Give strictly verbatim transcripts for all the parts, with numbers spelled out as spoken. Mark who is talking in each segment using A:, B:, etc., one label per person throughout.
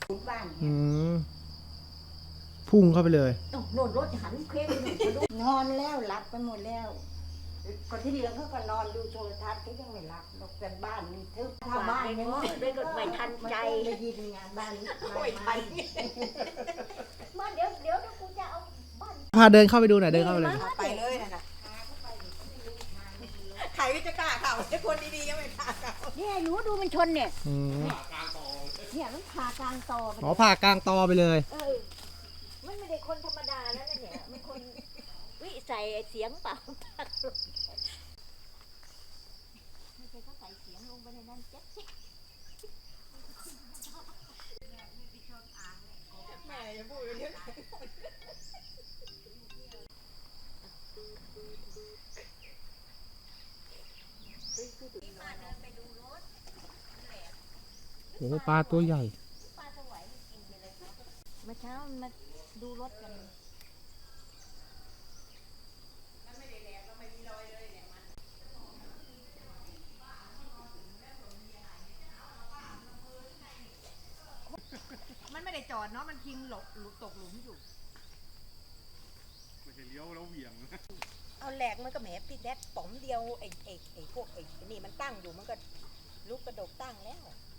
A: บ้าน
B: อืมพุ่งเข้าไปเลย
A: โน่นรถหันเคว้งนอนแล้วหลับไปหมดแล้วคนที่เหลือเขาก็นอนดูโทรทัศน์เขายังไม่หลับหรอกแต่บ้านนี่ทึบถ้าบ้านยังไม่ก็ไม่ทันใจได้ยินงานบ้านไม่ทันมาเดี๋ยวเดี๋ยวกูจะเอาบ้าน
B: พาเดินเข้าไปดูหน่อยเดินเข้าไปเลย
C: ไปเลยนะใครก็จะกล้าเข้าไอ้คนดีๆยังไม่กล้าเข้า
A: เนี่ยหนูดูมันชนเนี่ย
B: อืม
A: เนี่ยมันผ่ากลางตอ
B: หมอผ่ากลางตอไปเลย
A: เออมันไม่ได้คนธรรมดาแล้วนะเนี่ยมันคนวิใส่เสียงเปล่าไม่ใช่เขาใส่เสียงลงไปในนั้นเจ๊ะ
C: แม่อย่าพูดเยอะ
B: โอ้ปลาตัวใหญ่
A: เมื่อเช้ามาดูรถกัน
C: มันไม่ได้จอดเนาะมันพิงหลบตกหลุมอยู่
D: ไม่ใช่เลี้ยวแล้วเหวี่ยง
C: เอาแหลกมันก็แหมพี่แดดป๋อมเดียวไอ้ไอ้ไอ้พวกไอ้นี่มันตั้งอยู่มันก็ลุกกระดกตั้งแล้ว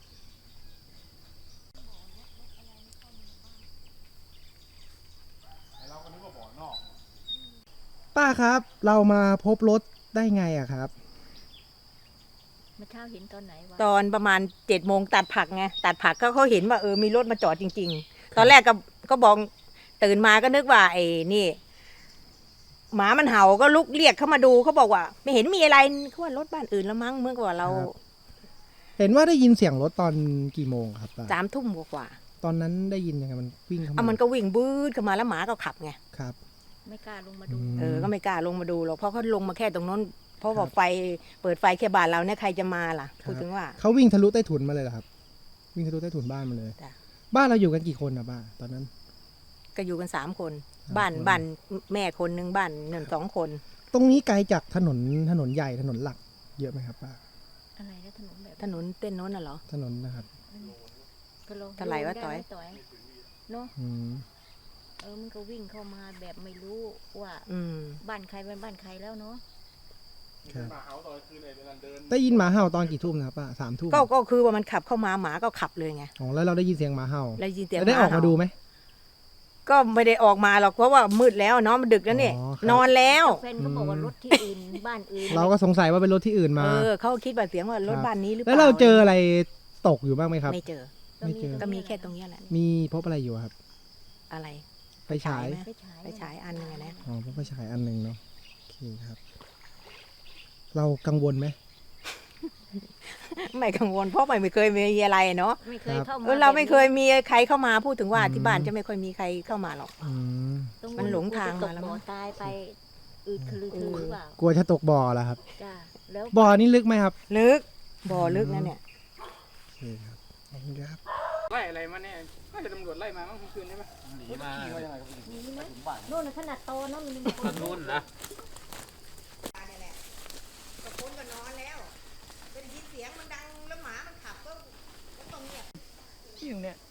D: เราก็นึกว่าบ่อนอก
B: ป้าครับ เรามาพบรถได้ไงอะครับ
A: เมื่อเช้าเห็นตอนไหนวะ
C: ตอนประมาณเจ็ดโมงตัดผักไงตัดผักก็เขาเห็นว่าเออมีรถมาจอดจริงๆ ตอนแรกก็ก็บอกตื่นมาก็นึกว่าไอ้นี่หมามันเห่าก็ลุกเรียกเขามาดูเขาบอกว่า ไม่เห็นมีอะไรเขาว่ารถบ้านอื่นแล้วมั้งเมื่อกว่าเรา
B: ครับ เห็นว่าได้ยินเสียงรถตอนกี่โมงครับป้า
C: สามทุ่มกว่า
B: ตอนนั้นได้ยินยังไงมันวิ่งเข้า
C: ๆเอา
B: มา
C: มันก็วิ่งบื้อเข้ามาแล้วหมาก็ขับไง
B: ครับ
A: ไม่กล้าลงมาดู
B: ม
C: เออก็ไม่กล้าลงมาดูหรอกเพราะเขาลงมาแค่ตรงนั้นเพราะ
B: ครั
C: ว่า
B: บ
C: ไฟเปิดไฟแค่บ้านเราเนี่ยใครจะมาล่ะ
B: ครับ
C: พูดถึงว่า
B: เขาวิ่งทะลุใต้ถุนมาเลยเหรอครับ วิ่งทะลุใต้ถุนบ้านมาเลย
C: จ้ะ
B: บ้านเราอยู่กันกี่คนอะป้าตอนนั้น
C: ก็อยู่กันสามคน
B: สาม
C: บ้าน
B: คน
C: บ้านแม่คนหนึ่งบ้านหนึ่งสองคน
B: ตรงนี้ไกลจากถนนถนนใหญ่ถนนหลัก เยอะไหมครับป้า
A: อะไรนะถนนแบบ
C: ถนนเต้นโน้นน่ะเหรอ
B: ถนนนะครับ
A: ก็ลง
C: เท่าไหร่วะ
A: ดู
C: ต่อย
A: ด้หมต่อยเนาะ
B: อืม
A: เออมันก็วิ่งเข้ามาแบบไม่รู้ว่า
C: อืม
A: บ้านใครเป็นบ้านใครแล้วเนาะ
B: ครับ
D: มาเฮาตอนคืนไอ้เวลาเดิน
B: ได้ยินหมาเห่าตอนกี่ทุ่มนะครับป้าสามทุ่ม
C: ก็ก็คือว่ามันขับเข้ามาหมาก็ขับเลยไง
B: อ๋อแล้วเราได้ยินเสียงหมาเห่า
C: แล้วยินเสียง
B: แล้วได้ออกมาดูไหม
C: ก็ไม่ได้ออกมาหรอกเพราะว่ามืดแล้วเนาะมันดึกแล้วเนี่ย
B: อ๋อครับ
C: นอนแล้ว
A: แฟนก็บอกว่ารถที่อื่นบ้านอื่น
B: เราก็สงสัยว่าเป็นรถที่อื่นมา
C: เออเขาคิดว่าเสียงว่ารถบ้านนี้หรือเป
B: แล้
C: ล่า
B: วเราเจออะไรตกอยู่บ้างไหมครับ
C: ไม่เจอ
B: ไม่เจอ
C: ก็มีแค่ตรงเนี้ยแหละ
B: มีพบอะไรอยู่ครับ
C: อะไร
B: ไฟฉาย
C: ไหม
A: ไปฉาย
C: ไปฉายอันนึงอะนะ
B: อ๋อพบไฟฉายอันหนึ่งเนาะโอเคครับ เรากังวลไหม
C: ไม่กังวลเพราะไม่เคยมีอะไรเนาะ
A: ไม่เคยเข้ามา
C: เออเราไม่เคย
A: แบบ
C: มีใครเข้ามาพูดถึงว่า
B: อืม
C: ที่บ้านจะไม่ค่อยมีใครเข้ามาหรอก
B: อืม
A: ตรง
C: มันหลงทาง
A: ต
C: มาก แล้วมั้
A: บ่อง ตายไปอืดคือคือหรือเปล่าก
B: ลัวจะตกบ่อแล้วครับ
A: จ้าแล้ว
B: บ่อนี่ลึกไหมครับ
C: ลึกบ่อลึกนะเนี่ย
B: โอเคครับขอบคุณครับ
D: ไล่อะไรมาเนี่ยก็จะตำรวจไล่มาเมื่อคืนใช่ไหมหนีมาขี่มายังไงครับ
A: มีไหมโน่นน่ะขนาดโตเนาะมันมีคน
D: นู่นนะ
C: ก็คนก็นอนแล้ว เป็นยินเสียงมันดังแล้วหมามันขับก็ก็ต้องเงียบ
E: ที่อยู่เนี่ย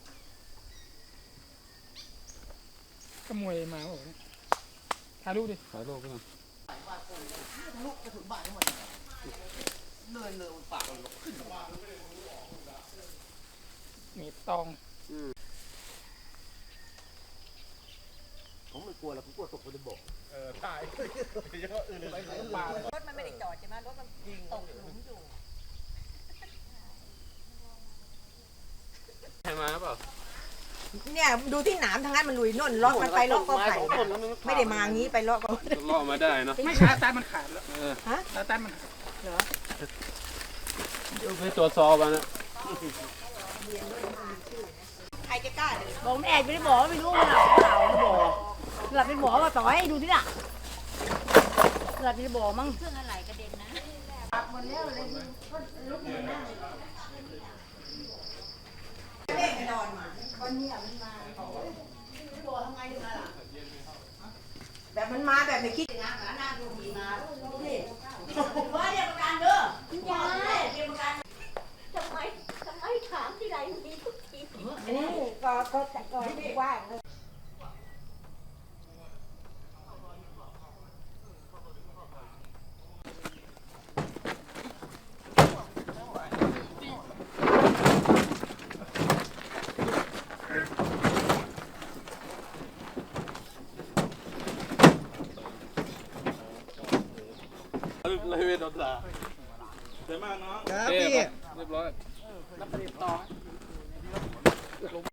E: ขโมยมาบอกเนี่ยถ่ายรูปดิ
D: สายโลกก็มา
E: หนีบตอง
D: ผมไม่กลัวหรอกผมกลัวตกไปในบ่อเออตายเยอะอื่นไปไหนปลาร
C: ถมันไม่ได้จอดใช่ไหมรถมันตกหลุมอยู่
D: ใครมาเปล่า
C: เนี่ยดูที่หนามทางนั้นมันลุยน่นล็อกมันไปล็อกก็ไผ่ไม่ได้มางี้ไปล็อกก็
D: ล่อมาได้เนาะ
E: ไม่ขาตันมันขาดแล้ว
D: เออ
C: ฮะ
E: ขาตันมันขาด
C: เหรอ
D: เดี๋ยวไปตรวจสอบกันนะ
C: ใครจะกล้าเดิน
A: บอกแม่ไม่ได้บอกไม่รู้มันหลับเปล่าบอกหลับเป็นบอกว่าต่อยดูที่น่ะหลับเป็นบอกมั้งเครื่องอะไรกระเด็นนะหมดแล้วเลยก็ลุกมานั่ง
C: เด็กนอนมา
A: วันนี้มันมา
C: แบบมันมาแบบไม่คิดนะหาหน้าดูดีมานี่ว่าเรียกประกันเด้อ
A: คุณยายทำไมทำไมถามที่ไรมีทุกที
C: อืม
A: ก็ก็แต่ก็กว้างเลย
F: เลยเวทดาเดี๋ยวมากน้อง
B: ครับพี่
D: เรียบร้อยรับประเด็นต่อ